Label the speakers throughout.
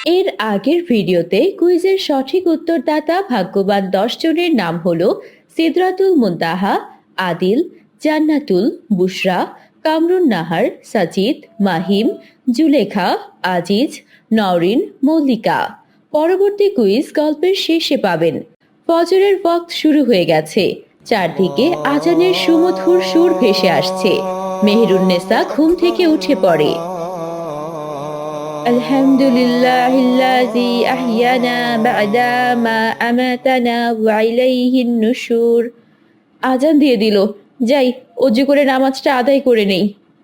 Speaker 1: এর আগের ভিডিওতে কুইজের সঠিক উত্তরদাতা ভাগ্যবান 10 জনের নাম হলো সিদরাতুল মুনতাহা, আদিল, জান্নাতুল, বুশরা, কামরুন নাহার, সাজিদ, মাহিম, জুলেখা, আজিজ, নওরিন, মল্লিকা। পরবর্তী কুইজ গল্পের শেষে পাবেন। ফজরের ওয়াক্ত শুরু হয়ে গেছে, চারদিকে আজানের সুমধুর সুর ভেসে আসছে। মেহেরুন্নেসা ঘুম থেকে উঠে পড়ে। আলহামদুলিল্লাহিল্লাযী আহইয়ানা বা'দা মা আমাতানা ওয়া ইলাইহিন নুশুর। আজান দিয়ে দিল, যাই অজু করে নামাজটা আদায় করে নেই।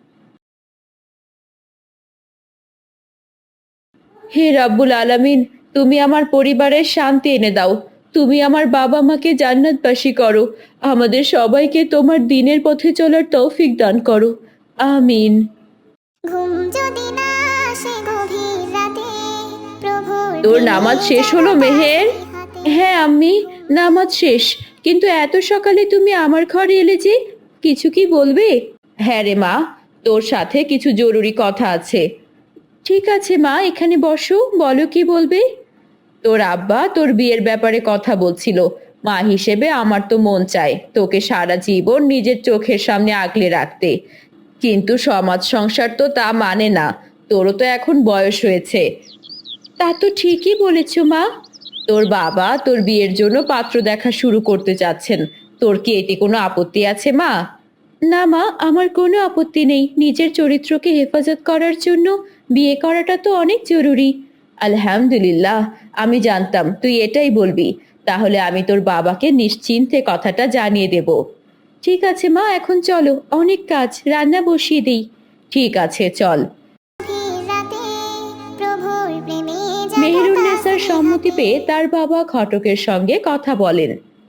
Speaker 1: হে রাব্বুল আলামিন, তুমি আমার পরিবারের শান্তি এনে দাও। তুমি আমার বাবা মাকে জান্নাতবাসী করো। আমাদের সবাইকে তোমার দ্বীনের পথে চলার তৌফিক দান করো। আমিন।
Speaker 2: ঘুম যদি না আসে গভীর রাতে, প্রভুর
Speaker 1: তোর নামাজ শেষ হলো মেহের? হ্যাঁ আম্মি, নামাজ শেষ। কিন্তু এত সকালে তুমি আমার ঘরে এলে যে, কিছু কি বলবে? হ্যাঁ রে মা, তোর সাথে কিছু জরুরি কথা আছে। ঠিক আছে মা, এখানে বসো, বলো কি বলবে। তোর আব্বা তোর বিয়ের ব্যাপারে কথা বলছিল। মা হিসেবে আমার তো মন চায় তোকে সারা জীবন নিজের চোখের সামনে আগলে রাখতে, কিন্তু সমাজ সংসার তো তা মানে না। তোরও তো এখন বয়স হয়েছে। তা তো ঠিকই বলেছ মা। তোর বাবা তোর বিয়ের জন্য পাত্র দেখা শুরু করতে চাচ্ছেন। তোর কি এতে কোনো আপত্তি আছে মা? না মা, আমার কোনো আপত্তি নেই। নিজের চরিত্রকে হেফাজত করার জন্য বিয়ে করাটা তো অনেক জরুরি। আলহামদুলিল্লাহ, আমি জানতাম তুই এটাই বলবি। তাহলে আমি তোর বাবাকে নিশ্চিন্তে কথাটা জানিয়ে দেব। ঠিক আছে মা, এখন চলো, অনেক কাজ, রান্না বসিয়ে দিই। ঠিক আছে, চল।
Speaker 2: গভীর রাতে, প্রভুর প্রেমে
Speaker 1: মেহেরুন্নেসার সম্মতি পেয়ে তার বাবা ঘটকের সঙ্গে কথা বলেন।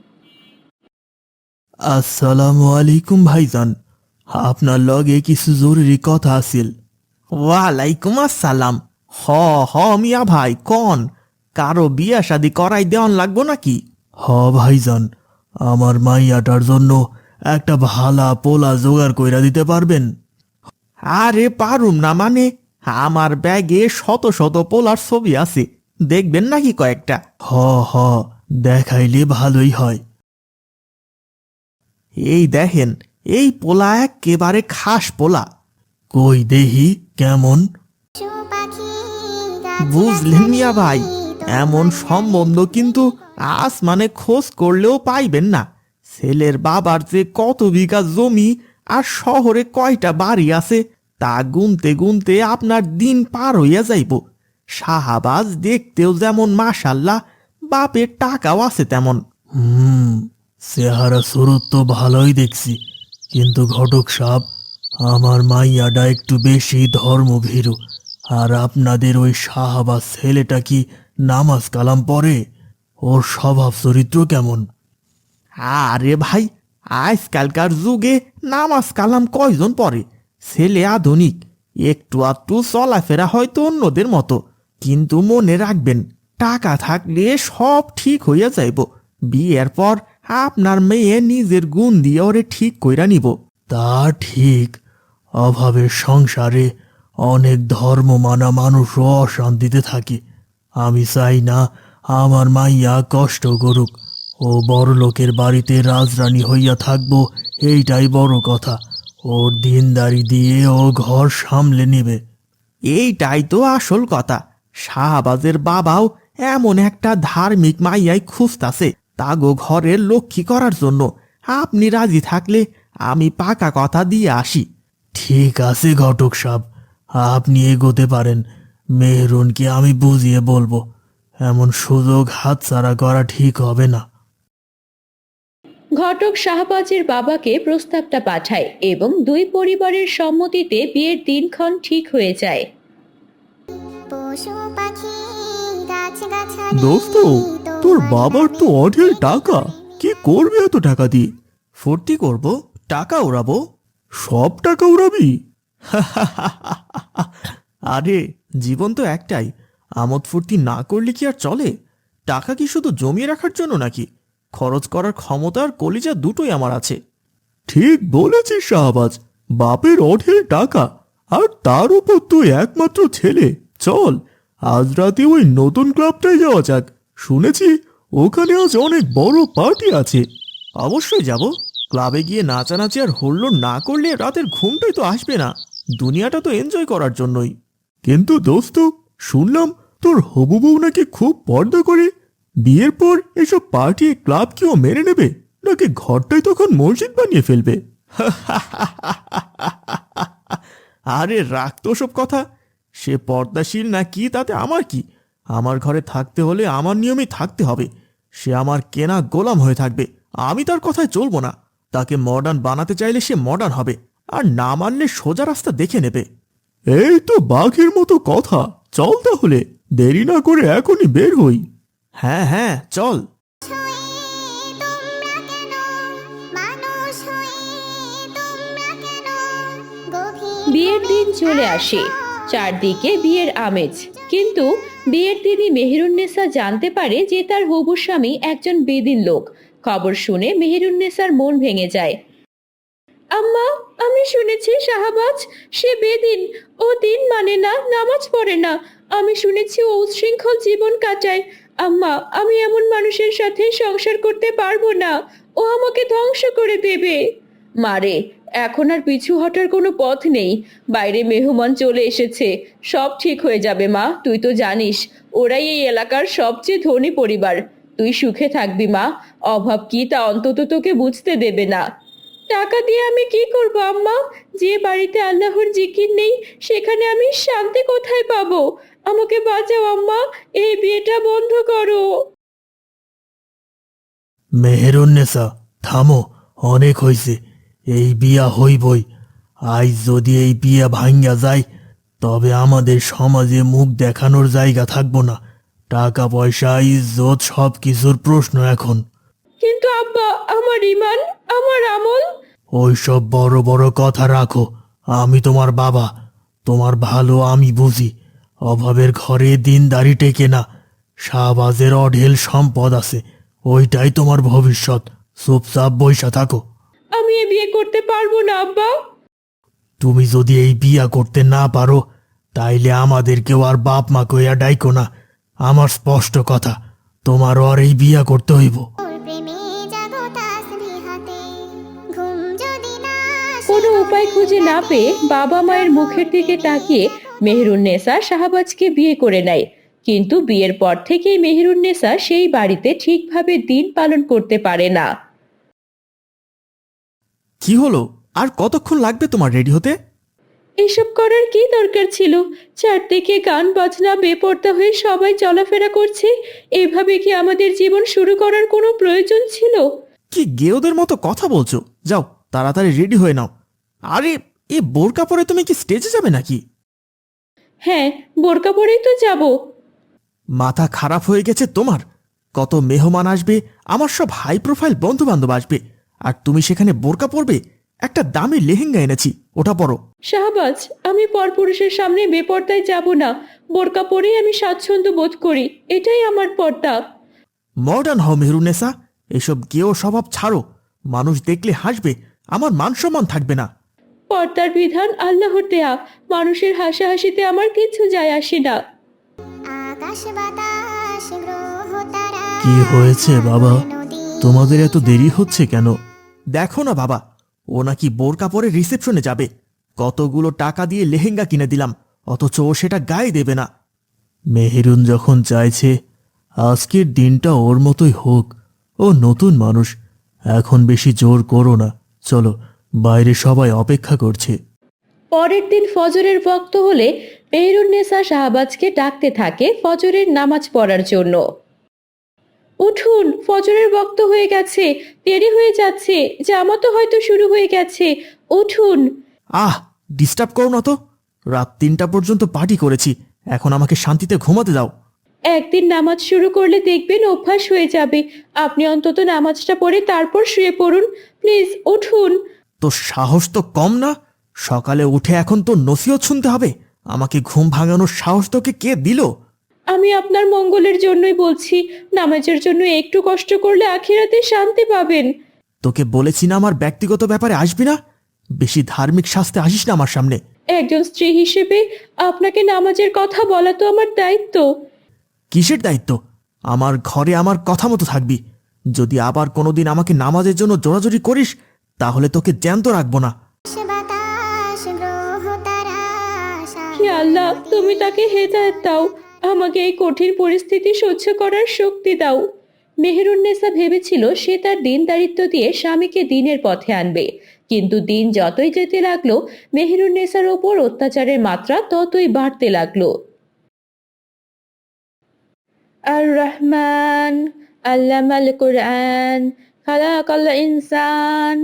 Speaker 3: আসসালামু আলাইকুম ভাইজান, আপনার লগে কিছু জরুরি কথা আছিল। ওয়ালাইকুম আসসালাম। হ হ মিয়া ভাই, কন কারো বিয়া শাদি করাই দেওয়ান লাগবো নাকি? হ ভাইজান, আমার মাইয়াটার জন্য একটা ভালা পোলা জোগাড় কইরা দিতে পারবেন? আরে পারুম না মানে, আমার ব্যাগে শত শত পোলার ছবি আছে, দেখবেন নাকি কয়েকটা? হ হ, দেখাইলে ভালোই হয়। এই দেখেন, এই পোলা একেবারে খাস পোলা। কই দেহি কেমন?
Speaker 2: পাখি,
Speaker 3: বুঝলেন মিয়া ভাই, এমন সম্বন্ধ কিন্তু আসমানে খোঁজ করলেও পাইবেন না। ছেলের বাবার যে কত বিঘা জমি আর শহরে কয়টা বাড়ি আছে তা গুনতে গুনতে আপনার দিন পার হইয়া যাইব। শাহাবাজ দেখতেও যেমন মাশাল্লাহ, বাপের টাকাও আছে তেমন। চেহারা সুরত তো ভালোই দেখছি, কিন্তু ঘটক সাহেব, আমার মাইয়াটা একটু বেশি ধর্মভীরু। আর আপনাদের ওই শাহাবাজ ছেলেটা কি নামাজ কালাম পড়ে? ওর স্বভাব চরিত্র কেমন? আরে ভাই, আজকালকার যুগে নামাজ কালাম কয়জন পড়ে? ছেলে আধুনিক, একটু আধটু চলাফেরা হয়তো অন্যদের মতো, কিন্তু মনে রাখবেন, টাকা থাকলে সব ঠিক হইয়া যাইব। বিয়ের পর আপনার মেয়ে নিজের গুণ দিয়ে ওরে ঠিক কইরা নিব। তা ঠিক, অভাবের সংসারে অনেক ধর্ম মানা মানুষও অশান্তিতে থাকে। আমি চাই না আমার মাইয়া কষ্ট করুক। ও বড় লোকের বাড়িতে রাজরানী হইয়া থাকবো, এইটাই বড় কথা। ওর দিনদারি দিয়ে ও ঘর সামলে নেবে, এইটাই তো আসল কথা। শাহবাজের বাবাও এমন একটা ধার্মিক মাইয়াই খুঁজতাছে তাগো ঘরের লক্ষ্মী করার জন্য। আপনি রাজি থাকলে আমি পাকা কথা দিয়ে আসি। ঠিক আছে ঘটক সাহেব, আপনি এগোতে পারেন। মেহরুনকে আমি বুঝিয়ে বলবো, এমন সুযোগ হাতছাড়া করা ঠিক হবে না।
Speaker 1: ঘটক শাহবাজের বাবাকে প্রস্তাবটা পাঠায় এবং দুই পরিবারের সম্মতিতে বিয়ের দিনক্ষণ ঠিক হয়ে যায়।
Speaker 2: পশু পাখি, গাছ গাছালি,
Speaker 3: দোস্ত, তোর বাবার তো অঢেল টাকা, কি করবে এত টাকা দিয়ে? ফুর্তি করব, টাকা উড়াবো। সব টাকা উড়াবি? আরে, জীবন তো একটাই, আমোদ ফুর্তি না করলে কি আর চলে? টাকা কি শুধু জমিয়ে রাখার জন্য নাকি? খরচ করার ক্ষমতা আর কলিজা দুটোই আমার আছে। ঠিক বলেছিস শাহবাজ, বাপের অঢেল টাকা, আর তার উপর তুই একমাত্র ছেলে। চল, আজ রাতে ওই নতুন ক্লাবটায় যাওয়া যাক। শুনেছি ওখানে আজ অনেক বড় পার্টি আছে। অবশ্যই যাব। ক্লাবে গিয়ে নাচানাচি আর হল্লোড় না করলে রাতের ঘুমটাই তো আসবে না। দুনিয়াটা তো এনজয় করার জন্যই। কিন্তু দোস্ত, শুনলাম তোর হবু বউ নাকি খুব পর্দা করে। বিয়ের পর এসব পার্টি ক্লাব কি ও মেনে নেবে, নাকি ঘরটাই তখন মসজিদ বানিয়ে ফেলবে? আরে রাখ তো সব কথা। সে পর্দাশীল না কি তাতে আমার কি? আমার ঘরে থাকতে হলে আমার নিয়মেই থাকতে হবে। সে আমার কেনা গোলাম হয়ে থাকবে, আমি তার কথায় চলবো না। তাকে মডার্ন বানাতে চাইলে সে মডার্ন হবে, আর না মানলে সোজা রাস্তা দেখে নেবে। এই তো বাঘের মতো কথা। চল তাহলে, দেরি না করে এখনই বের হই। হ্যাঁ হ্যাঁ চল।
Speaker 2: হয়ে তোমরা কেন মানুষ হয়ে তোমরা কেন গভীর
Speaker 1: বিয়ের দিন চলে আসে, চারদিকে বিয়ের আমেজ। কিন্তু বিয়ের দিনই মেহেরুন্নেসা জানতে পারে যে তার হবু স্বামী একজন বেদিন লোক। খবর শুনে মেহেরুন্নেসার মন ভেঙে যায়। আম্মা, আমি শুনেছি শাহবাজ সে বেদিন। ও দিন মানে না, নামাজ পড়ে না। আমি শুনেছি ও উচ্ছৃঙ্খল জীবন কাটায়। আম্মা, আমি এমন মানুষের সাথে সংসার করতে পারবো না। ও আমাকে ধ্বংস করে দেবে। মারে, এখন আর পিছু হটার কোনো পথ নেই। বাইরে মেহমান চলে এসেছে, সব ঠিক হয়ে যাবে মা। তুই তো জানিস ওরাই এই এলাকার সবচেয়ে ধনী পরিবার। তুই সুখে থাকবি মা। অভাব কি তা অন্তত তোকে বুঝতে দেবে না। টাকা দিয়ে আমি কি করব আম্মা? যে বাড়িতে আল্লাহর জিকির নেই সেখানে আমি শান্তি কোথায় পাবো? আমাকে বাঁচাও আম্মা, এই বিয়েটা বন্ধ করো।
Speaker 3: মেহেরুন্নেসা, থামো, অনেক হইছে। এই বিয়া হইবই। আজ যদি এই বিয়া ভাঙ্গা যায়, তবে আমাদের সমাজে মুখ দেখানোর জায়গা থাকবো না। টাকা পয়সা ইজ্জত সব কিছুর প্রশ্ন এখন।
Speaker 1: কিন্তু আব্বা, আমার ইমান, আমার আমল।
Speaker 3: ওইসব বড় বড় কথা রাখো। আমি তোমার বাবা, তোমার ভালো আমি বুঝি। অভাবের ঘরে দিনদারি টেকে না। শাহবাজের অঢেল সম্পদ আছে, ওইটাই তোমার ভবিষ্যৎ। চুপচাপ বইসা থাকো।
Speaker 1: আমি এ বিয়ে করতে পারবো না আব্বা।
Speaker 3: তুমি যদি এই বিয়া করতে না পারো, তাইলে আমাদেরকেও আর বাপ মা কইয়া ডাইকো না। আমার স্পষ্ট কথা, তোমারও আর এই বিয়া করতে হইব।
Speaker 2: ওর প্রেমে জাগো তাসবিহাতে ঘুম যদি না আসে
Speaker 1: কোনো উপায় খুঁজে না পেয়ে বাবা মায়ের মুখের দিকে তাকিয়ে মেহেরুন্নেসা শাহবাজকে বিয়ে করে নেয়। কিন্তু বিয়ের পর থেকেই মেহেরুন্নেসা সেই বাড়িতে ঠিকভাবে দিন পালন করতে পারে না।
Speaker 3: কি হলো? আর কতক্ষণ লাগবে তোমার রেডি হতে?
Speaker 1: এসব করার কি দরকার ছিল? চারদিকে গান বাজনা, বেপর্দা হয়ে সবাই চলাফেরা করছে। এভাবে কি আমাদের জীবন শুরু করার কোনো প্রয়োজন ছিল?
Speaker 3: কি গেওদের মতো কথা বলছো? যাও তাড়াতাড়ি রেডি হয়ে নাও। আরে, এ বোরকা পরে তুমি কি স্টেজে যাবে নাকি?
Speaker 1: হ্যাঁ, বোরকা পরেই তো যাব।
Speaker 3: মাথা খারাপ হয়ে গেছে তোমার? কত মেহমান আসবে, আমার সব হাই প্রোফাইল বন্ধু বান্ধব আসবে, আর তুমি সেখানে বোরকা পরবে? একটা দামি লেহেঙ্গা এনেছি, ওটা পরো।
Speaker 1: শাহবাজ, আমি পরপুরুষের সামনে বেপর্দায় যাব না। বোরকা পরেই আমি স্বাচ্ছন্দ্য বোধ করি, এটাই আমার পর্দা।
Speaker 3: মডার্ন হও মেহরুন্নেসা। এসব গেও স্বভাব ছাড়ো। মানুষ দেখলে হাসবে, আমার মান সম্মান থাকবে না।
Speaker 1: পর্দার বিধান আল্লাহর দেয়া। মানুষের হাসাহাসিতে আমার কিছু যায় আসে না।
Speaker 2: আকাশ বাতাস গ্রহ তারা
Speaker 3: কি হয়েছে বাবা?
Speaker 2: নদী
Speaker 3: তোমাদের এত দেরি হচ্ছে কেন? দেখো না বাবা, ও নাকি বোরকা পরে রিসেপশনে যাবে। কতগুলো টাকা দিয়ে লেহেঙ্গা কিনে দিলাম, অথচ ও সেটা গায়ে দেবে না। মেহেরুন যখন চাইছে, আজকের দিনটা ওর মতোই হোক। ও নতুন মানুষ, এখন বেশি জোর করো না। চলো, বাইরে সবাই অপেক্ষা করছে।
Speaker 1: পরের দিন ফজরের ওয়াক্ত হলে মেহেরুন্নেসা শাহবাজকে ডাকতে থাকে ফজরের নামাজ পড়ার জন্য। উঠুন, ফজরের ওয়াক্ত হয়ে গেছে, দেরি হয়ে যাচ্ছে, জামাতও হয়তো শুরু হয়ে গেছে। উঠুন।
Speaker 3: আহ, ডিস্টার্ব করো না তো। রাত 3টা পর্যন্ত পার্টি করেছি, এখন আমাকে শান্তিতে ঘুমাতে দাও।
Speaker 1: একদিন নামাজ শুরু করলে দেখবেন অভ্যাস হয়ে যাবে। আপনি অন্তত নামাজটা পড়ে তারপর শুয়ে পড়ুন। প্লিজ উঠুন।
Speaker 3: তো সাহস তো কম না? সকালে উঠে এখন তো নসিহত শুনতে হবে? আমাকে ঘুম ভাঙানোর সাহস তোকে কে দিল?
Speaker 1: আমি আপনার মঙ্গলের জন্যই বলছি, নামাজের জন্য একটু কষ্ট করলে আখিরাতে শান্তি পাবেন।
Speaker 3: তোকে বলেছি না আমার ব্যক্তিগত ব্যাপারে আসবি না? বেশি ধার্মিক শাস্তে আসিস না আমার সামনে।
Speaker 1: একজন স্ত্রী হিসেবে আপনাকে নামাজের কথা বলা তো আমার দায়িত্ব।
Speaker 3: কিসের দায়িত্ব? আমার ঘরে আমার কথা মতো থাকবি। যদি আবার কোনোদিন আমাকে নামাজের জন্য জোরাজোরি করিস তাহলে তোকে জ্যান্ত রাখবো না।
Speaker 2: বাতাস গ্রহ তারা
Speaker 1: হে আল্লাহ, তুমি তাকে হেদায়েত দাও, আমাকে এই কঠিন পরিস্থিতি সহ্য করার শক্তি দাও। মেহেরুন্নেসা ভেবেছিল সে তার দিনদারিত্ব দিয়ে স্বামীকে দিনের পথে আনবে, কিন্তু দিন যতই যেতে লাগলো মেহেরুন্নেসার ওপর অত্যাচারের মাত্রা ততই বাড়তে লাগলো। আর রহমান আল্লামাল কুরআন খালাকাল ইনসান।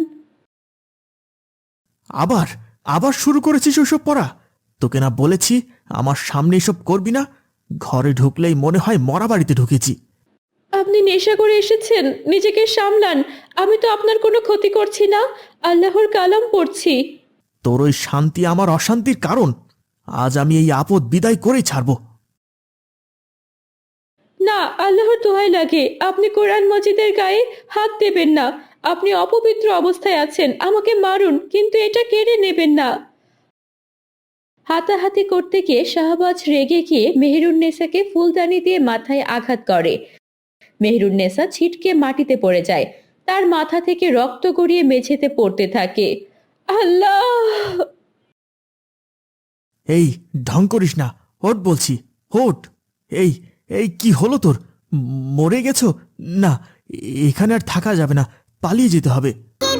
Speaker 3: আবার আবার শুরু করেছিস ওসব পড়া? তোকে না বলেছি আমার সামনে এসব করবি না? ঘরে ঢুকলেই মনে হয় মরা বাড়িতে ঢুকেছি।
Speaker 1: আপনি নেশা করে এসেছেন, নিজেকে সামলান। আমি তো আপনার কোনো ক্ষতি করছি না, আল্লাহর কালাম পড়ছি।
Speaker 3: তোর ওই শান্তি আমার অশান্তির কারণ। আজ আমি এই আপদ বিদায় করেই ছাড়ব।
Speaker 1: না, আল্লাহর দোহাই লাগে, আপনি কোরআন মজিদের গায়ে হাত দেবেন না। আপনি অপবিত্র অবস্থায় আছেন, আমাকে মারুন, কিন্তু এটা কেড়ে নেবেন না। হাতাহাতি করতে গিয়ে শাহবাজ রেগে গিয়ে মেহেরুন্নেসাকে ফুলদানি দিয়ে মাথায় আঘাত করে। মেহেরুন্নেসা ছিটকে মাটিতে পড়ে যায়, তার মাথা থেকে রক্ত গড়িয়ে মেঝেতে পড়তে থাকে। আল্লাহ!
Speaker 3: এই ঢং করিস না, ওঠ বলছি, ওঠ। এই এই কি হলো তোর? মরে গেছো? না, এখানে আর থাকা যাবে না, পালিয়ে যেতে হবে।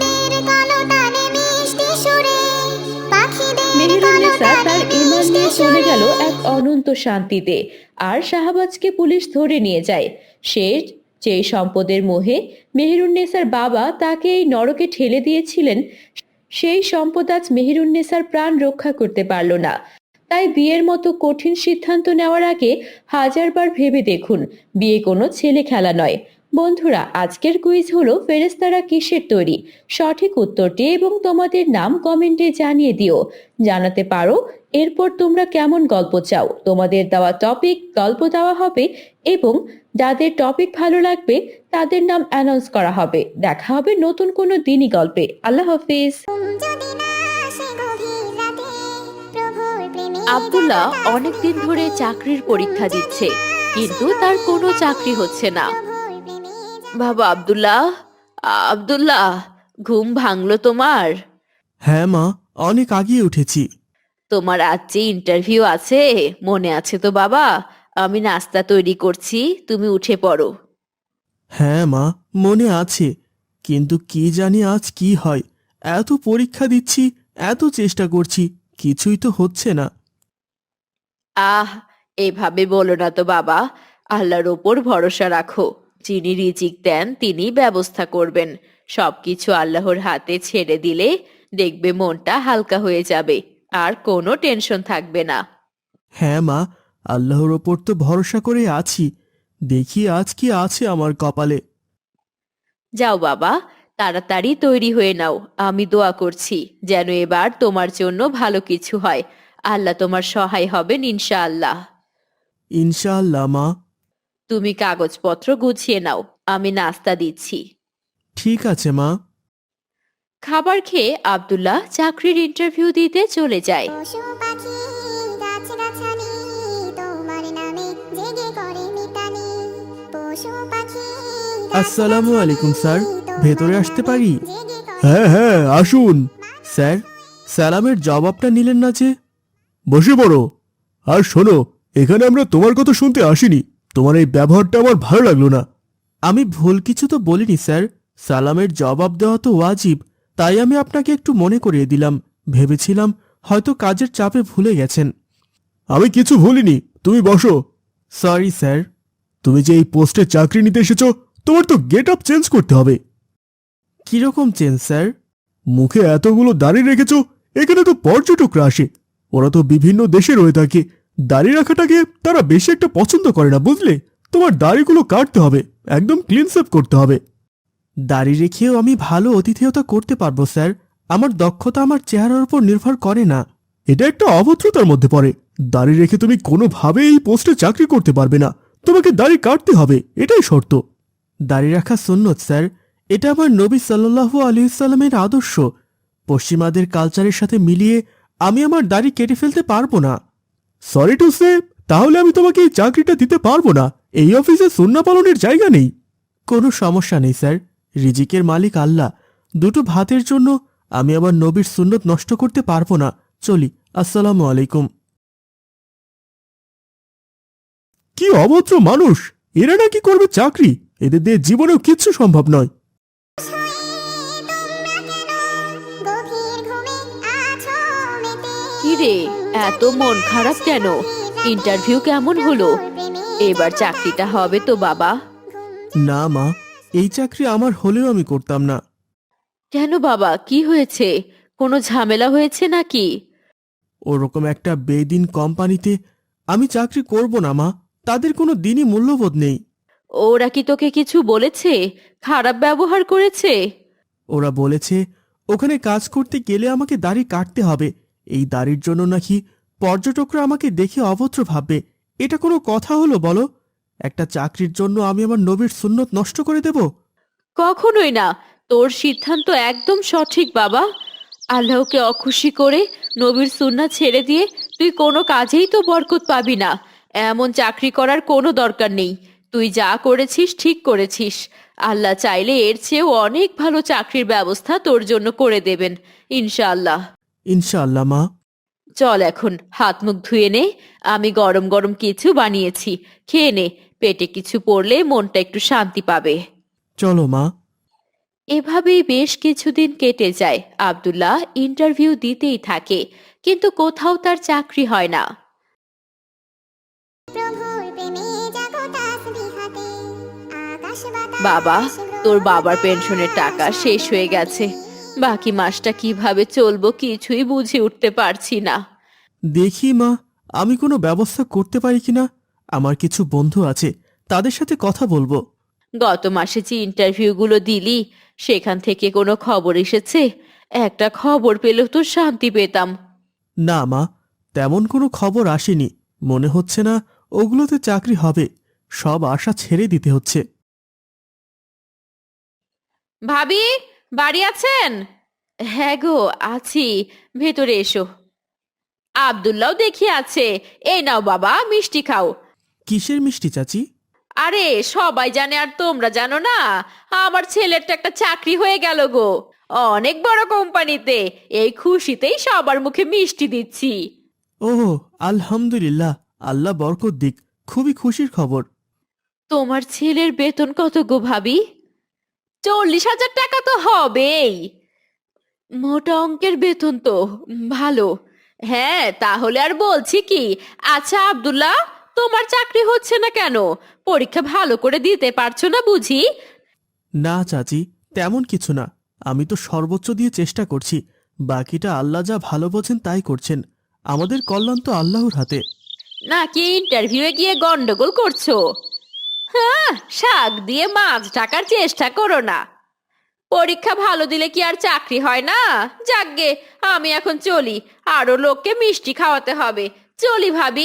Speaker 1: মেহেরুন্নেসা তার ঈমান নিয়ে চলে গেল এক অনন্ত শান্তিতে, আর শাহবাজকে পুলিশ ধরে নিয়ে যায়। সে যেই সম্পদের মোহে মেহেরুন্নেসার বাবা তাকে এই নরকে ঠেলে দিয়েছিলেন, সেই সম্পদ আজ মেহেরুন্নেসার প্রাণ রক্ষা করতে পারল না। তাই বিয়ের মতো কঠিন সিদ্ধান্ত নেওয়ার আগে হাজারবার ভেবে দেখুন, বিয়ে কোনো ছেলে খেলা নয়। বন্ধুরা, আজকের কুইজ হলো ফেরেশতারা কিসের তৈরি? সঠিক উত্তরটি এবং তোমাদের নাম কমেন্টে জানিয়ে দিও। জানাতে পারো এরপর তোমরা কেমন গল্প চাও। তোমাদের দেওয়া টপিক গল্প দেওয়া হবে এবং যাদের টপিক ভালো লাগবে তাদের নাম অ্যানাউন্স করা হবে। দেখা হবে নতুন কোনো দিনই গল্পে। আল্লাহ হাফিজ। আব্দুল্লাহ অনেকদিন ধরে চাকরির পরীক্ষা দিচ্ছে, কিন্তু তার কোনো চাকরি হচ্ছে না। বাবা আব্দুল্লাহ, আব্দুল্লাহ, ঘুম ভাঙলো তোমার?
Speaker 3: হ্যাঁ মা, অনেক আগিয়ে উঠেছি।
Speaker 1: তোমার আজ যে ইন্টারভিউ আছে মনে আছে তো বাবা? আমি নাস্তা তৈরি করছি, তুমি উঠে পড়ো।
Speaker 3: হ্যাঁ মা, মনে আছে, কিন্তু কি জানি আজ কি হয়। এত পরীক্ষা দিচ্ছি, এত চেষ্টা করছি, কিছুই তো হচ্ছে না।
Speaker 1: এভাবে বলো না তো বাবা, আল্লাহর ওপর ভরসা রাখো। যিনি রিজিক দেন তিনি ব্যবস্থা করবেন। সবকিছু আল্লাহর হাতে ছেড়ে দিলে দেখবে মনটা হালকা হয়ে যাবে, আর কোনো টেনশন থাকবে না।
Speaker 3: হ্যাঁ মা, আল্লাহর ওপর তো ভরসা করে আছি। দেখি আজ কি আছে আমার কপালে।
Speaker 1: যাও বাবা, তাড়াতাড়ি তৈরি হয়ে নাও। আমি দোয়া করছি যেন এবার তোমার জন্য ভালো কিছু হয়। আল্লাহ তোমার সহায় হবেন ইনশাআল্লাহ।
Speaker 3: ইনশাআল্লাহ মা।
Speaker 1: তুমি কাগজপত্র গুছিয়ে নাও, আমি নাস্তা দিচ্ছি।
Speaker 3: ঠিক আছে মা।
Speaker 1: খাবার খেয়ে আব্দুল্লাহ চাকরির ইন্টারভিউ দিতে চলে যায়।
Speaker 2: পশু পাখি গাছগাছালি তোমার নামে জেগে করে মিতালি। পশু পাখি
Speaker 3: আসসালামু আলাইকুম স্যার, ভেতরে আসতে পারি? হ্যাঁ হ্যাঁ আসুন। স্যার, সালামের জবাবটা নিলেন না যে? বসে পড়ো। আর শোনো, এখানে আমরা তোমার কথা শুনতে আসিনি। তোমার এই ব্যবহারটা আমার ভালো লাগলো না। আমি ভুল কিছু তো বলিনি স্যার, সালামের জবাব দেওয়া তো ওয়াজিব, তাই আমি আপনাকে একটু মনে করিয়ে দিলাম। ভেবেছিলাম হয়তো কাজের চাপে ভুলে গেছেন। আমি কিছু ভুলিনি, তুমি বসো। Sorry sir. তুমি যে এই পোস্টে চাকরি নিতে এসেছো, তোমার তো গেট আপ চেঞ্জ করতে হবে। কিরকম চেঞ্জ স্যার? মুখে এতগুলো দাড়ি রেখেছো, এখানে তো পর্যটকরা আসে, ওরা তো বিভিন্ন দেশে রয়ে থাকে। দাড়ি রাখাটাকে তারা বেশি একটা পছন্দ করে না, বুঝলে? তোমার দাড়িগুলো কাটতে হবে, একদম ক্লিন সেভ করতে হবে। দাড়ি রেখেও আমি ভালো অতিথেয়তা করতে পারবো স্যার। আমার দক্ষতা আমার চেহারার উপর নির্ভর করে না। এটা একটা অভদ্রতার মধ্যে পড়ে। দাড়ি রেখে তুমি কোনোভাবে এই পোস্টে চাকরি করতে পারবে না। তোমাকে দাড়ি কাটতে হবে, এটাই শর্ত। দাড়ি রাখা সুন্নত স্যার, এটা আমার নবী সাল্লাল্লাহু আলাইহি সাল্লামের আদর্শ। পশ্চিমাদের কালচারের সাথে মিলিয়ে আমি আমার দাড়ি কেটে ফেলতে পারবো না। সরি টু সে, তাহলে আমি তোমাকে এই চাকরিটা দিতে পারবো না। এই অফিসে সুন্নাহ পালনের জায়গা নেই। কোনো সমস্যা নেই স্যার, রিজিকের মালিক আল্লাহ। দুটো ভাতের জন্য আমি আবার নবীর সুন্নত নষ্ট করতে পারবো না। চলি, আসসালামু আলাইকুম। কি অভদ্র মানুষ, এরা নাকি করবে চাকরি? এদের দিয়ে জীবনেও কিচ্ছু সম্ভব নয়।
Speaker 2: গভীর ঘুমে আছো মেতে
Speaker 1: কি রে, এত মন খারাপ কেন? ইন্টারভিউ কেমন হলো? এবার চাকরিটা হবে তো বাবা?
Speaker 3: না মা, এই চাকরি আমার হলেও আমি করতাম না।
Speaker 1: কেন বাবা, কি হয়েছে? কোনো ঝামেলা হয়েছে নাকি?
Speaker 3: ওরকম একটা বেদিন কোম্পানিতে আমি চাকরি করব না মা। তাদের কোনো দিনই মূল্যবোধ নেই।
Speaker 1: ওরা কি তোকে কিছু বলেছে? খারাপ ব্যবহার করেছে?
Speaker 3: ওরা বলেছে ওখানে কাজ করতে গেলে আমাকে দাড়ি কাটতে হবে। এই দাড়ির জন্য নাকি পর্যটকরা আমাকে দেখে অভদ্র ভাববে। এটা কোনো কথা হলো বলো? একটা চাকরির জন্য আমি আমার নবীর সুন্নত নষ্ট করে দেব?
Speaker 1: কখনোই না। তোর সিদ্ধান্ত একদম সঠিক বাবা। আল্লাহকে অখুশি করে নবীর সুন্নাহ ছেড়ে দিয়ে তুই কোনো কাজেই তো বরকত পাবি না। এমন চাকরি করার কোনো দরকার নেই। তুই যা করেছিস ঠিক করেছিস। আল্লাহ চাইলে এর চেয়েও অনেক ভালো চাকরির ব্যবস্থা তোর জন্য করে দেবেন ইনশাআল্লাহ।
Speaker 3: ইনশাআল্লাহ মা।
Speaker 1: চল এখন হাত মুখ ধুয়ে নে। আমি গরম গরম কিছু বানিয়েছি, খেয়ে নে। পেটে কিছু পড়লে মনটা একটু শান্তি পাবে।
Speaker 3: চলো মা।
Speaker 1: এভাবেই বেশ কিছুদিন কেটে যায়। আব্দুল্লাহ ইন্টারভিউ দিতেই থাকে, কিন্তু কোথাও তার চাকরি হয় না।
Speaker 2: প্রভুর প্রেমে জাগো তাসবিহাতে আকাশ বাতাস
Speaker 1: বাবা, তোর বাবার পেনশনের টাকা শেষ হয়ে গেছে। বাকি মাসটা কিভাবে চলবো কিছুই বুঝে উঠতে পারছি না।
Speaker 3: দেখি মা, আমি কোনো ব্যবস্থা করতে পারি কিনা। আমার কিছু বন্ধু আছে, তাদের সাথে কথা বলবো।
Speaker 1: গত মাসে যে ইন্টারভিউগুলো দিলি সেখান থেকে কোনো খবর এসেছে? একটা খবর পেলেও তো শান্তি পেতাম।
Speaker 3: না মা, তেমন কোনো খবর আসেনি। মনে হচ্ছে না ওগুলোতে চাকরি হবে। সব আশা ছেড়ে দিতে হচ্ছে।
Speaker 1: ভাবি, বাড়ি আছেন? হ্যাঁ গো, আছি। ভেতরে এসো। আব্দুল্লাহ দেখি আছে। এই নাও বাবা, মিষ্টি খাও।
Speaker 3: কিসের মিষ্টি চাচি?
Speaker 1: আরে সবাই জানে আর তোমরা জানো না, আমার ছেলের তো একটা চাকরি হয়ে গেল গো, অনেক বড় কোম্পানিতে। এই খুশিতেই সবার মুখে মিষ্টি দিচ্ছি।
Speaker 3: ওহ, আলহামদুলিল্লাহ, আল্লাহ বরকত দিক। খুবই খুশির খবর।
Speaker 1: তোমার ছেলের বেতন কত গো ভাবি? 40,000 টাকা তো হবেই। মোটা অঙ্কের বেতন তো, ভালো। হ্যাঁ, তাহলে আর বলছি কি। আচ্ছা আব্দুল্লাহ, তোমার চাকরি হচ্ছে না কেন? পরীক্ষা ভালো করে দিতে পারছো না বুঝি?
Speaker 3: না চাচি, তেমন কিছু না। আমি তো সর্বোচ্চ দিয়ে চেষ্টা করছি। বাকিটা আল্লাহ যা ভালো বোঝেন তাই করছেন। আমাদের কল্যাণ তো আল্লাহর হাতে।
Speaker 1: নাকি ইন্টারভিউয়ে গিয়ে গন্ডগোল করছো? হ্যাঁ, শাক দিয়ে মাছ ঢাকার চেষ্টা করো না। পরীক্ষা ভালো দিলে কি আর চাকরি হয় না? যাকগে, আমি এখন চলি। আরো লোককে মিষ্টি খাওয়াতে হবে। চলি ভাবি।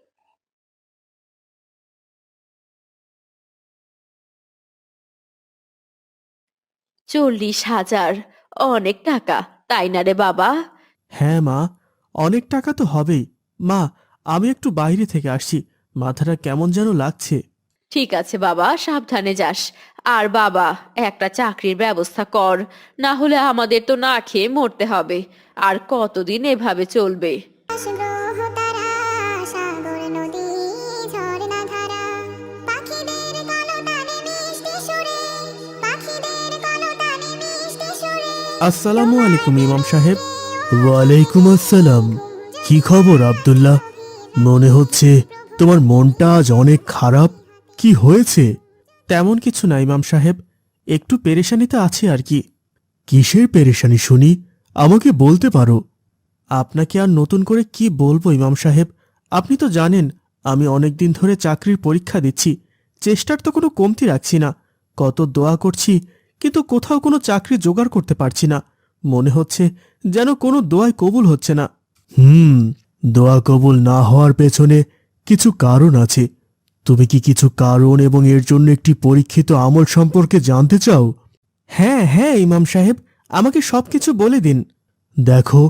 Speaker 1: 40,000 অনেক টাকা, তাই না রে বাবা?
Speaker 3: হ্যাঁ মা, অনেক টাকা তো হবেই। মা, আমি একটু বাইরে থেকে আসছি। মাথাটা কেমন যেন লাগছে।
Speaker 1: ঠিক আছে বাবা, সাবধানে যাস। আর বাবা, একটা চাকরির ব্যবস্থা কর, না হলে আমাদের তো না খেয়ে মরতে হবে। আর কতদিন এভাবে চলবে?
Speaker 2: গ্রহ তারা সাগর নদী ঝর্ণা ধারা পাখিদের কলতানে মিষ্টি সুরে পাখিদের কলতানে মিষ্টি সুরে
Speaker 3: আসসালামু আলাইকুম ইমাম সাহেব। ওয়ালাইকুম আসসালাম। কি খবর আব্দুল্লাহ? মনে হচ্ছে তোমার মনটা আজ অনেক খারাপ। কি হয়েছে? তেমন কিছু না ইমাম সাহেব, একটু পেরেশানিতে আছে আর কি। কিসের পেরেশানি শুনি? আমাকে বলতে পারো। আপনাকে আর নতুন করে কি বলবো ইমাম সাহেব? আপনি তো জানেন আমি অনেক দিন ধরে চাকরির পরীক্ষা দিচ্ছি। চেষ্টার তো কোনো কমতি রাখছি না। কত দোয়া করছি, কিন্তু কোথাও কোনো চাকরি জোগাড় করতে পারছি না। মনে হচ্ছে যেন কোনো দোয়াই কবুল হচ্ছে না। দোয়া কবুল না হওয়ার পেছনে কিছু কারণ আছে। তুমি কি কিছু কারণ এবং এর জন্য একটি পরীক্ষিত আমল সম্পর্কে জানতে চাও? হ্যাঁ হ্যাঁ ইমাম সাহেব, আমাকে সবকিছু বলে দিন। দেখো,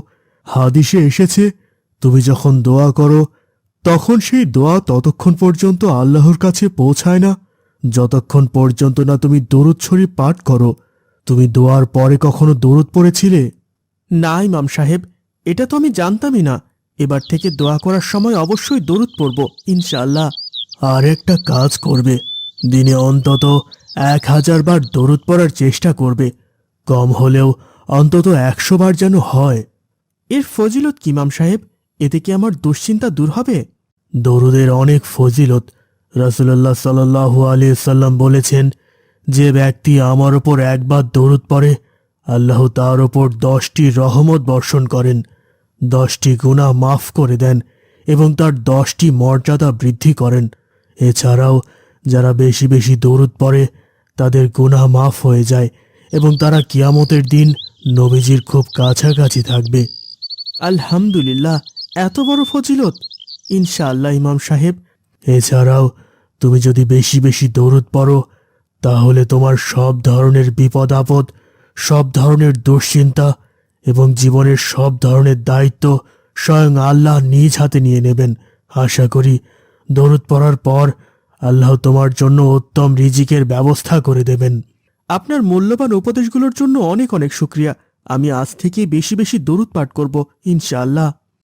Speaker 4: হাদিসে এসেছে, তুমি যখন দোয়া করো তখন সেই দোয়া ততক্ষণ পর্যন্ত আল্লাহর কাছে পৌঁছায় না যতক্ষণ পর্যন্ত না তুমি দরুদ শরীফ পাঠ করো। তুমি দোয়ার পরে কখনো দরুদ পড়েছিলে?
Speaker 3: না ইমাম সাহেব, এটা তো আমি জানতামই না। এবার থেকে দোয়া করার সময় অবশ্যই দরুদ পড়ব ইনশাআল্লাহ।
Speaker 4: আর একটা কাজ করবে, দিনে অন্তত 1000 বার দরুদ পড়ার চেষ্টা করবে, কম হলেও অন্তত 100 বার যেন হয়।
Speaker 3: এর ফজিলত কি ইমাম সাহেব? এতে কি আমার দুশ্চিন্তা দূর হবে?
Speaker 4: দরুদের অনেক ফজিলত। রাসূলুল্লাহ সাল্লাল্লাহু আলাইহি সাল্লাম বলেছেন, যে ব্যক্তি আমার ওপর একবার দরুদ পড়ে আল্লাহ তার ওপর 10টি রহমত বর্ষণ করেন, 10টি গুনাহ মাফ করে দেন এবং তার 10টি মর্যাদা বৃদ্ধি করেন। এছাড়াও যারা বেশি বেশি দরুদ পড়ে তাদের গুনাহ মাফ হয়ে যায় এবং তারা কিয়ামতের দিন নবীজির খুব কাছাকাছি থাকবে।
Speaker 3: আলহামদুলিল্লাহ, এত বড় ফজিলত! ইনশাআল্লাহ ইমাম সাহেব।
Speaker 4: এছাড়াও তুমি যদি বেশি বেশি দরুদ পড়ো তাহলে তোমার সব ধরনের বিপদ আপদ, সব ধরনের দুশ্চিন্তা এবং জীবনের সব ধরনের দায়িত্ব স্বয়ং আল্লাহ নিজ হাতে নিয়ে নেবেন। আশা করি দরুদ পড়ার পর আল্লাহ তোমার জন্য উত্তম রিজিকের ব্যবস্থা করে দেবেন।
Speaker 3: আপনার মূল্যবান উপদেশগুলোর জন্য অনেক অনেক শুকরিয়া। আমি আজ থেকে বেশি বেশি দরুদ পাঠ করব ইনশাআল্লাহ।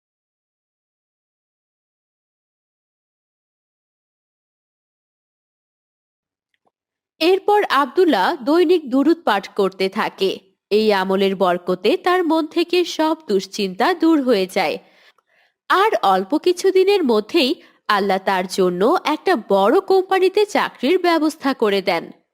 Speaker 1: এরপর আব্দুল্লাহ দৈনিক দুরূদ পাঠ করতে থাকে। এই আমলের বরকতে তার মন থেকে সব দুশ্চিন্তা দূর হয়ে যায়। আর অল্প কিছুদিনের মধ্যেই আল্লাহ তার জন্য একটা বড় কোম্পানিতে চাকরির ব্যবস্থা করে দেন।